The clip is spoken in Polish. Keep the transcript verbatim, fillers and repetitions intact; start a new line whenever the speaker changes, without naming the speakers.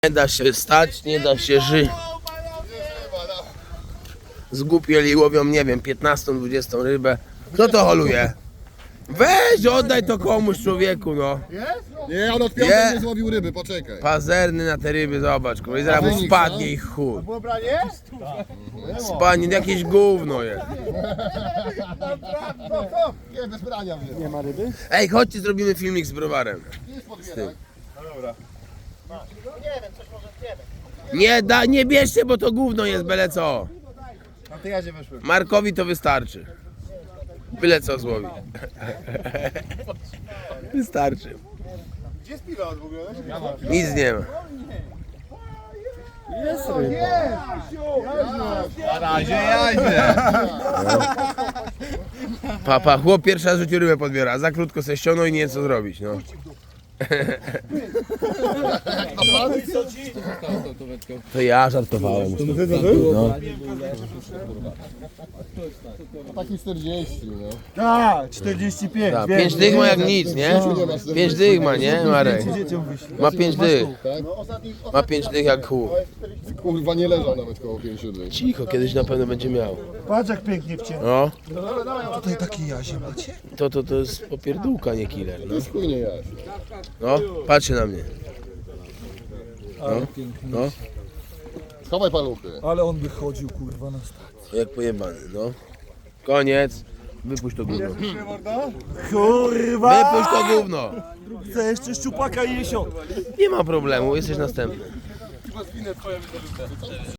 Nie da się stać, nie da się żyć. Zgłupieli łowią, nie wiem, piętnastą, dwudziestą rybę. Kto to holuje? Weź, oddaj to komuś, człowieku, no.
Nie, on od piątej nie złowił ryby, poczekaj.
Pazerny na te ryby, zobacz, kurwa, i zaraz mu spadnie ich chuj. Spadnie, jakieś gówno jest.
Nie, bez brania. Nie ma ryby?
Ej, chodźcie, zrobimy filmik z browarem. Z tym. Nie, da, nie bierzcie, bo to gówno jest, byle co.
A ty jadzie weszły.
Markowi to wystarczy. Byle co złowi. Wystarczy.
Gdzie jest pilot w ogóle?
Nic nie ma.
Jest ryba. Na razie jadzie.
Papa, chłop pierwszy raz w życiu rybę podbiera, za krótko se ściągnął i nie wie co zrobić, no. To ja żartowałem. No.
Taki czterdzieści, no.
Tak, czterdzieści pięć.
Ta, pięć dych ma jak nic, nie? Pięć dych ma, nie, Marek? Ma pięć dych. Ma pięć dych jak chuj.
Kurwa, nie leżał nawet koło pięciu dni.
Cicho, kiedyś na pewno będzie miał.
Patrz jak pięknie wcięło.
No,
Tutaj taki jazie macie.
to, to, to jest popierdółka, nie killer, no.
To jest chuj nie jaś.
No, patrzy na mnie. No, no,
Schowaj paluchy.
Ale on by chodził kurwa na stację.
jak pojebany, no. Koniec. Wypuść to gówno.
Kurwa!
Wypuść to gówno.
Chcę jeszcze szczupaka i jesiot.
Nie ma problemu, jesteś następny.